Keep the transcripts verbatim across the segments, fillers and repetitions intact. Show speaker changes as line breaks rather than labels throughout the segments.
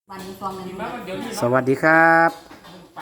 วันนี้ฟองเงิน
สวัสดีครับ
นี่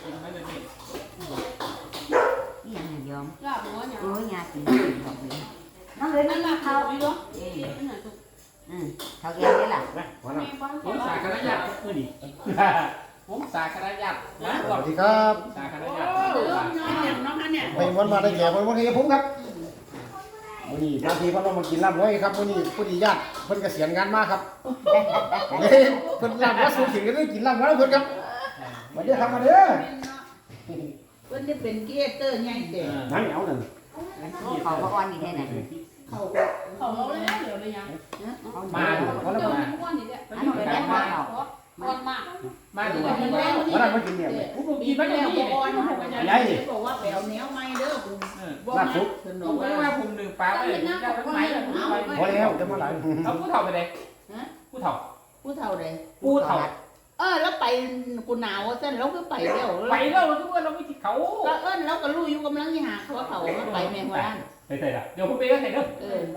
ยังไงยอมโอ้ยยากินบอกเลยน้องเลยไม่มาเขาเอออืมเขาแก่ได้ล่ะ
ผมสาคณะญาติมือนี่ผมสาคณะญาตินะ
สวัสดีครับ
สาคณะญาติ
ไปวันมาได้แก่วันวันนี้ผมครับวันนี้นาทีพ่อเรามากินลาบไว้ครับวันนี้ผู้ดีญาติเพิ่นเกษียณงานมาครับเฮ้ยเพิ่นลาบว่าสูงถึงก็ได้กินลาบแล้วเพิ่นครับมาเด้อครับมาเด้อ
เพิ่นจะเป็นเกียร์เตอร์ใหญ่เด้
นั่นเอาหนึ่ง
เขาก็อ่อนอีกแค่ไหน
เขาเขาเลยนะเดี๋ยวเลยยัง
มาดูเขาแล้วมา
อันนั้นเป็นแม่เขาเขา
อ่อนมาก
มาดู
วันนี้แล้ว
วันนั้นมากินเนี่ย
ผมกินไปแล้วบ่อ่อนบอกว่าไปเอาแนวใหม่เด้อบ่
ลาบซุป
ส
ผ
นุก
มก็
ว่า
ว่าผมหนึ่งปลาไปเลยได้ทั้งไหม
พอแล้วจะมาหลาย
เขาผู้เฒ่าไปเลยผู้เฒ่า
ผู้เฒ่าใด
ผู้เฒ่า
เออแล้วไปกูหนาวซั่นเราก็ไปแล้ว
ไปแล้วทุกคนเราไม่ที่เขา
ก็เอิ้นเราก็รู้อยู่กำลังสิหาเขาเขาไปแม่งว่า
ใส่ใส่ละเดี๋ยวผมไปก็ใส่เด้อ
เออ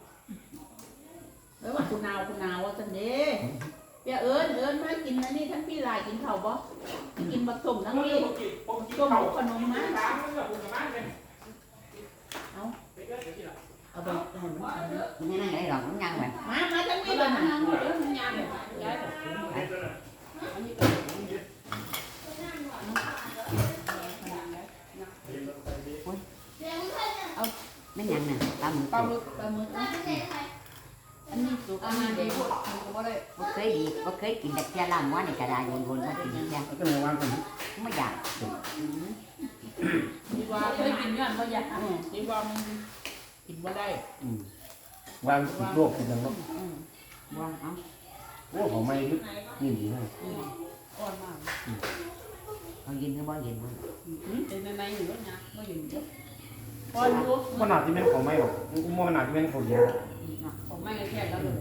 แล้วว่ากูหนาวกูหนาวซั่นเด้อย่าเอิ้นเอิ้นมากินอันนี้ทั้งพี่ลายกินข้าวบ่กินบักส้มทั้งนี้
ผมกินผมกิน
ต้ม
เขา
ขนมมา
สามมื้อผมกับบ้านเลย
เอา
ไปก็เดี๋ยวที่ละ
เอาไปให้มัน
ไม่นั่งไอ้หรอกมันยังแบบ
มามาทั้งนี้เลยนะ
ไม่ยังน่ะตามมือ
ปลาหมึกปลาหมึกอันนี้สุกอันนี้ดีก็ได้
ก็เคยดีก็เคยกินแต่แค่ล่างว่าในกระดาษวนๆมากินยัง
ก็เลยว่างคน
ไม่อยาก
ดีว่าเคยกินย้อนบ่อยากดีว่ามันกินบ่ได้
วางติดโรคติดยังโรค
ว่าเอา
โอ้ของไม่ยิ่งดีนะ
อ่อนมาก
เขายินก็บ่ยินมัน
เป็นในอยู่แล้วนะบ่อยู่อ่อนอยู่
ขนาดที่แม่นของไม่หรอกมองขนาดที่แม่นเขาเยอะ
ผมไม่แค่แล้วเลย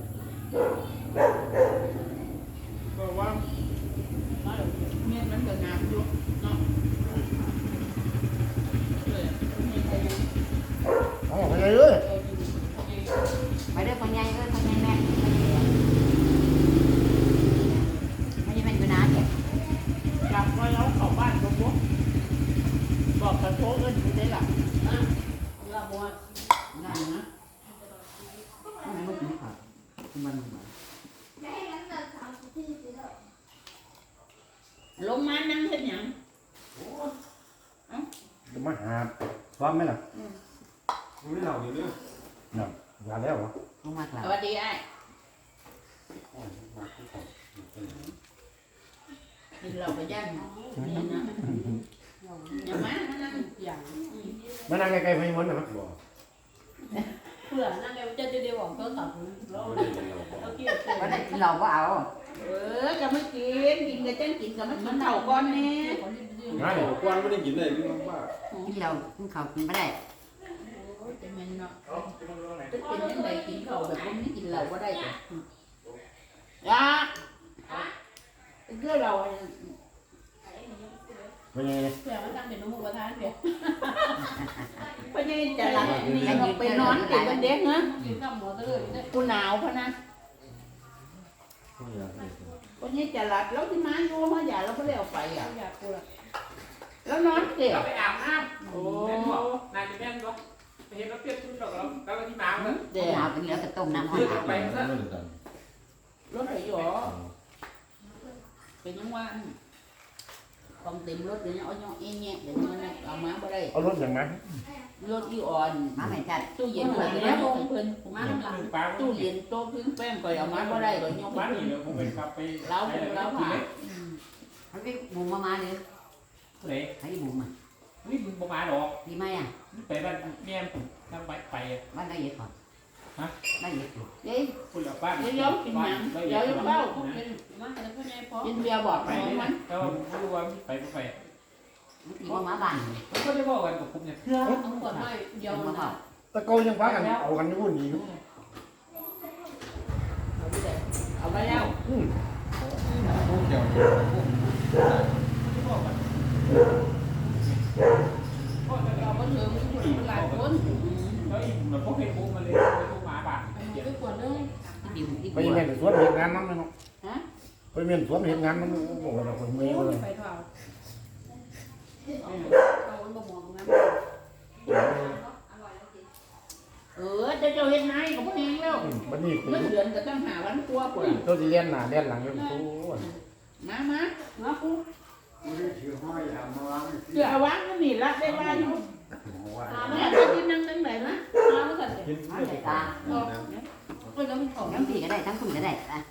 ก็ว่า
มาเดี๋ยวเมียมันก็งามอยู่เนาะเลยมีแต่ยัง
อ๋อไปเลยเลย
ไปเด้อคนใหญ่เอ้ยคนใหญ่แม่ไม่ใช่แม่อยู่นานเนี่ย
กลับมาแล้วเข้าบ้านบ่บ่บอกกระโทษเอิ้นอยู่ได้ล่ะอ่ะเราบ่ว่านั่นนะ
ไม่ไม่กินข้าวมัน
ลงมานั่งเฮ็ดหยัง
จะมาหาพร้อมไหมล่ะ
ไม่เหล่าอยู่เรื่อง
น่ะยาแล้วเหรอ
ลงมากแล้ว
สวัสดีไอ้กินเหล้าไปย่างนี่นะอย่ามานั่งอย่าง
มานั่งใกล้ๆพี่มดนะมั้ง
เพื่อนั่นเลยจะจะเดี๋ยวบอกก็กลับแล้วเราเกี่ยว
วันนั้นกินเราก็เอา
เออก็ไม่กินกินก็จังกินก็ไม่กินเท่าก่อนนี่
ง่าย
กวนไม่ได้กินเลยพี่น้องป้า
กินเรากินข้าวกินไม่ได้
เป็นแม่นเนาะจะเป็นจังไดกินข้าวแบบบ่มีกินเหล้าบ่ได้จ้ะยาคือเรา
เป็นยังไง
เพื่อมันตั้งเป็นน้ำมูกประทานเดี๋ยว
เพราะนี่จะหลับนี่เราไปนอนกินกันเด็กเนาะ
กินข้าวหมูตะเลยเนี่ย
กูหนาวพะนะคนนี้จะหลับแล้วที่มาอยู่มาอย่าเราก็เลยเอาไปอ่ะ
อยากกูละ
แล้วนอนเกี่ยว
เราไปอาบน้ำโอ้นายจะแม่นก็ไปเห็นเราเปรียบชุดเราแล้วแล้วที่มาเมื่อ
เดี๋ยว
หนาวเป็นแล้วก็ต้มน้ำ
เลือกไปซะ
รถไหนอยู่หรอเป็นยังว่าต้องเต็มรถเดี๋ยวนี้เอาย่อเองเนี่ยเดี๋ยวมันเอามาบ่ได้
เอารถอย่างไร
รถอีอ่อน
มาไม่จัด
ตู้เย็นเพิ่นแล้วเพิ่น
มาทำหลัง
ปลา
ตู้เย็นโต๊ะพื้นแป้งก็เอามาบ่ได้ก็ย่อ
บ้าน
เพิ่น
นี่ผมเป็นขับไป
เราเราผ่า
เขาไปบุมมามาเลย
ไหน
ให้บุมอ่ะ
นี่มึงประมาณหรอก
ดีไหมอ่ะ
ไปบ้านแม่ผมทำไปไป
บ้านได้เยอะก่อนได้เยอะอยู่
เด้ย
คุณหลับบ้าน
เดี๋ยวย้อมกินหยังเดี๋ยวย้อมเบ้า
เป็นมาแต่พ่อใหญ่พอ
กินเบียร์บอก
ไป
น้อง
นี่
มั
นะ
น
ก็ไม่รู้ว่าไปไม่ไป
ตีว่ามาบ้าน
ผมก็ได้บอกกันกับผมเนี่ยเพื่อ
เอาขวดไม้เดียว
มา
นะ
เปล่า
ตะโกนยังฟ้ากันเอากันอยู่นี่
เอาไปแล้ว
อืม
พวกเกี่ยว
เราก็เจอมันหลายคน
แล้วอีกเหมือนพวกเพชรบุ๊กมาเลยพวกหมาบ้าน
ไปขวดนึง
ที่ดิวที่
ไป
บัว
แม่นสวนเด็กงานนั่งเลยเนาะ
ฮะ
ไปแม่ม่นสวนเห็นงานมันบอกว่าคนเมื่อยเลย
ไปเท่าเอามันบ่มองนะ
เออเจ้าเจ้าเฮ็ดนายก็บ่แฮงแล้ว
วันนี้
เงินเดือนก็ต้องหาวันกว่าพุ่น
เราจะเลี้ยนหน้าเลี้ยนหลังอยู่โอ้
มามา
มาปู
เดี๋ยวเอาวางมันนี่ละได้ว่าอยู่
หา
แม่
มา
จะกินนั่งจังไดนะ
หามาสั่น
กิน
เอา
เลือด
ใส่ตา
ก็ยังของ
ทั้งพี่ก็ได้ทั้งคุณก็ได้อ่ะ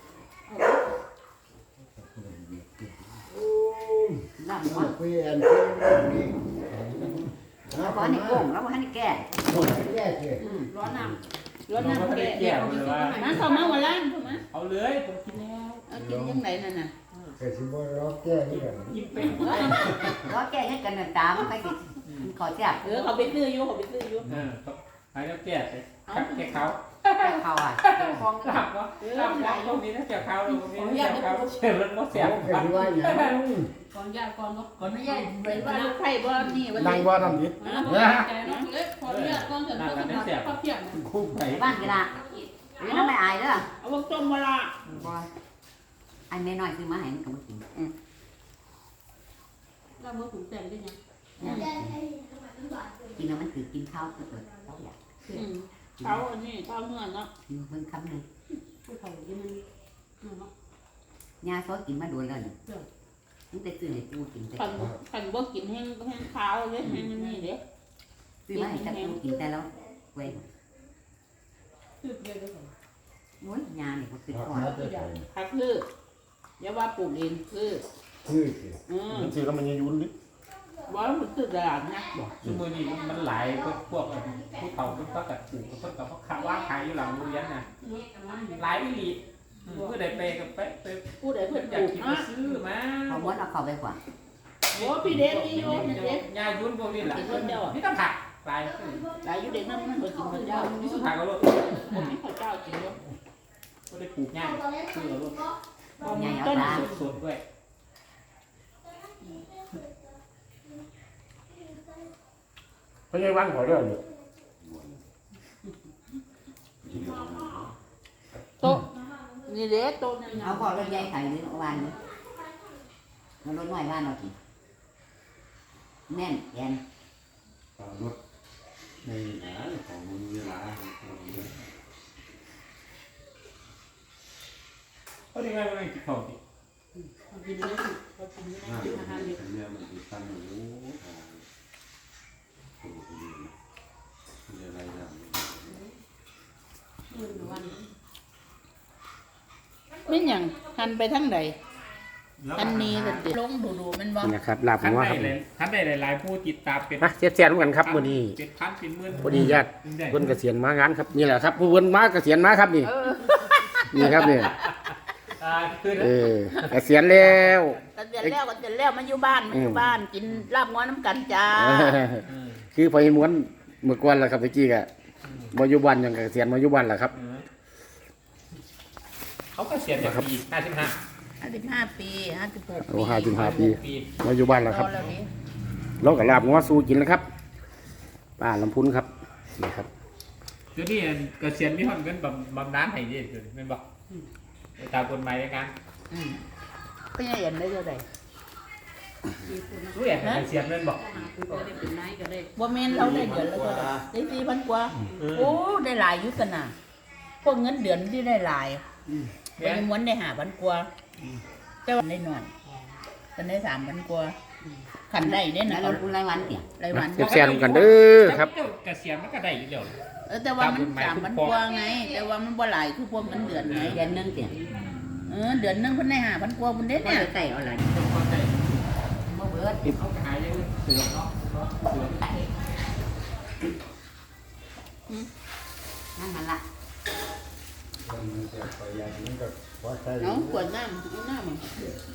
ลำหัว
คุยแอนคุยเรื่องนี้
แล้วก็ให้โก่งแล้วก็ให้แก่
คนแย่เกิด
อืม
ร้อนน้
รถน้ำแก่
แก้วเลยว่า
มาเข้ามาหัวล้านเข้ามา
เอาเลยผมกินแล้ว
เอากินจังไดนั่นน่ะ
เกิดสิบ่ร้องแก้ที่กัน
กินเป็น
แล้วแก่ให้กันตามันไปกินขอจับ
เออเขาไปซื้ออยู่เขาไปซื้ออยู่
เออหายแล้วแก้ไปแก้เขา
เขาอ่ะฟอง
หลับวะหลับวะตรงนี้นะแก้เขาตรงนี้แก้เขาเชื่อมันว่าเสียบ
เกิดที่ว่าอย่างนั้น
ำก่อนญาติก่อนเนาะ
ก่อนนี้ยายไปว่าลูกไผ่บ่นี่ว่า
นั่งว่าน้ำดิ
นะแต่เนาะเล็กขอญาติก่อนเสร็จก็จะมาข้าวเปียก
คู่ไป
บ้านกีฬาหรือน้ำไม่อายเด้อ
เอาวงต้มมาละ
บ่อันแม่น้อยซื้อมาให้มันก็บ่กิน
เราเมื่อถึงแต่งได้ยัง
กินแล้วมันคือกินข้าวก็เกิดเขาอยาก
อืมเขาอันนี้เขาเมื่อเนาะ
กินเพิ่งคำหนึง
ผู้เฒ่าที่มันเนาะ
ยาซอกินมาโดนแล้วนี่มันแต่ซื้อให้กูกินแต่
ขันขันบ่กินแห้งแห้งขาวเลยแห้งนี่เด้
ซื้อมาให้แต่กูกินแต่แล้วเว้ย
คือเดียวกัน
โอ้ยยาเนี่ยก็คือก่อน
ผักคืออย่าว่าปลูกเองคือ
คือสิ
อืม
มันซื้อแล้วมันยังยุ่นดิ
ว่ามันคือตลาดนักบ่
ซึ่งมือนี้มันหลายพวกพวกผู้เฒ่าพวกก็กัดปลูกพวกกับพวกขาว่าขายอยู่หลังโรงเรียนน่ะหลายวิลีเพื่อได้ไปกับไปไป
ผู้ใดเพิ่น
อ
ป
ยาก
ลูก
กิน
เนาะ
ซื้อมา
เขาม้วนเอาเข้าไปกว่า
โอ้พี่เด็กนี่โยมเด็ก
ยายุ่นพวกนี้แหละนี่ต้องผักหลาย
หลายอยู่เด็กนั้นมันบ่กินข้าวเจ้า
นี่สุดท้ายก็รถ
ผมมีข้าวเจ้ากินเนาะ
ก็ได้ปลูกง่ายซื้อรถ
บ่มีต้น
สดๆด้วย
เขาใหญ่ว่างขอเด้อเนี่ย
โต๊ะนี่เด้โต๊ะนั่น
เอา
น่ะ
พอรถใหญ่ไข่หรือวานนี่มันรถน้อยบ้านเรากินแน่นแกน
รถในหาของมึงเวลา
เขาได้ไงมันกินของกิน
กินได้ก็กินได้
ห้า
กินอาหารเด็ก
เนี่ยมันติดตั้งอยู่โอ้โหมีอะไรอย่าง
มื้อวัน
แม่นหยังหันไปทางใดอันนี้ก็สิลงดูๆมันบ่
นี่นะครับลาบ
คัน
หัว
ใด
ครับ
เลยคันใดหลายๆผู้ติดตามเป็น
มาเสียดเสียนกันครับมื้อนี้
เป็นพันเป็นหมื่น
พอดีญาติเพิ่นเกษียณมางานครับนี่แหละครับผู้เพิ่นมาเกษียณมาครับนี่นี่ครับนี่
อ่าคือ
เออเกษียณแล้ว
ก็เสร็จแล้วก็เสร็จแล้วมาอยู่บ้านมาอยู่บ้านกินลาบง้อน้ำกันจ้า
คือพอม้วนเมื่อก่อนล่ะครับตะกี้ก็บ่อยู่บ้านหยังเกษียณมาอยู่บ้านล่ะครับ
เขาก็เสียจากปีห้าสิบห้า
ห้าสิบห้าปีห้าสิบหก
โอ้ห้าสิบห้าปี
ปี
มาอยู่บ้านแล้วครับ
รอแล้วนี่
เราก็ลาบงัวสู้กินแล้วครับป้าลำพุนครับนี่ครับ
เดี๋ยวนี้เกษียณมีคนเงินบำบำนาญให้ดีเดี๋ยวนี้แม่นบอกตามกฎหมายในการ
อืมก็ยังเห็นได้เท่าใด
รู้อย่างเกษียณแม่นบอก
คือก็ได้เป็นนายก็ได้
บ่แม่นเราได้เดือนละเท่าใดได้สี่พันกว่า โอ้ได้หลายอยู่กันน่ะพวกเงินเดือนที่ได้หลายไปม้วนได้ห้าพันกว่าแต่ว่าได้น้อยกันได้สามพันกว่าขันได้ได้
แล้
นะ
วเราพูดรายวันเตี่ย
รายวัน
เสียบแซนกันเด้อครับ
เกษียณมันก็ได้อยู่แล้ว
เออแต่ว่ามันสามพันกว่าไง แต่ว่ามันบ่หลายคือพวกเงินเดือนไง
เดือนหนึงเตี่ย
เออเดือนหนึงเพิ่นได้ห้าพันกว่าเพิ่นได้
ไม่
เนี่ย
ได้ใส่เอาอะไร
เข้าใจ
บ่เบิด
เขาขายยังเสือเนาะเสือ
นั่นมันละ
มันจะไปอย่างนี้ก็พอใช้
เอาขวดน้ำเอาน้ำมัน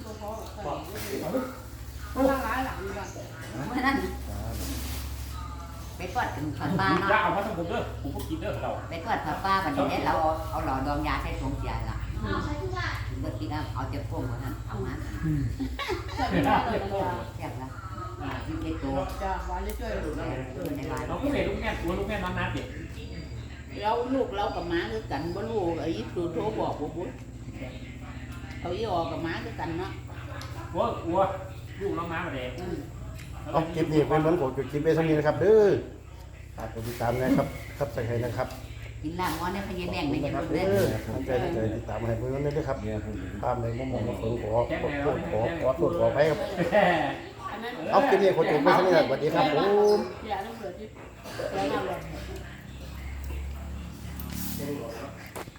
เพราะว่าหลายหลังนี่ก็
เมื่อนั้นไปทอดถึงทอดปลา
อย่า
เนาะ
เอามาทั้งผมเด้อผมก็กินเด้อเรา
ไปทอดทอดปลาบัดนี้เราเอาเอาหลอดดองยาใส่ถุงเสียละถึงก็คิดว่าเอาเจ็บพ่วงวันนั้นเอามา
จะเป็นได้เลยนะ
แซ่บละยิ่งเล็กโต
จ้าวันเลยช่วยดู
ดู
แล
แลเออในร้าน
เราก็เห็นลูกแม่ตัวลูกแม่น้ำน้ำเด็ก
เราลูกเรากับหมาคือกันบ่รู้ไอ้ตู่โทรบอกบ่พูดเอาเขาอีออกกับม้าคือกันเนาะ
วัววัวลูกน้องม้ามาเด็ก
เอาคลิปนี้เป็นวันผมจะคลิปไปสักนิดนะครับเด้อฝากกดติดตามนะครับครับใส่ให้นะครับ
กินลาบงอนได้พยาแบ่งไป
นะ
จะ
ครับ
เด้
เด้
อ
อตั้งใจตั้งใจติดตามให้เพื่อนด้วยนะครับ
เนี่ยผม
ตามในมุมมองของผมขอขอโทษขอขอโทษขอไปครับ
อันนั้น
เอาคลิปนี้คนจะไปสักนิดสวัสดีครับผม
อย่าต้องเบื่อที่แล้วมาเลย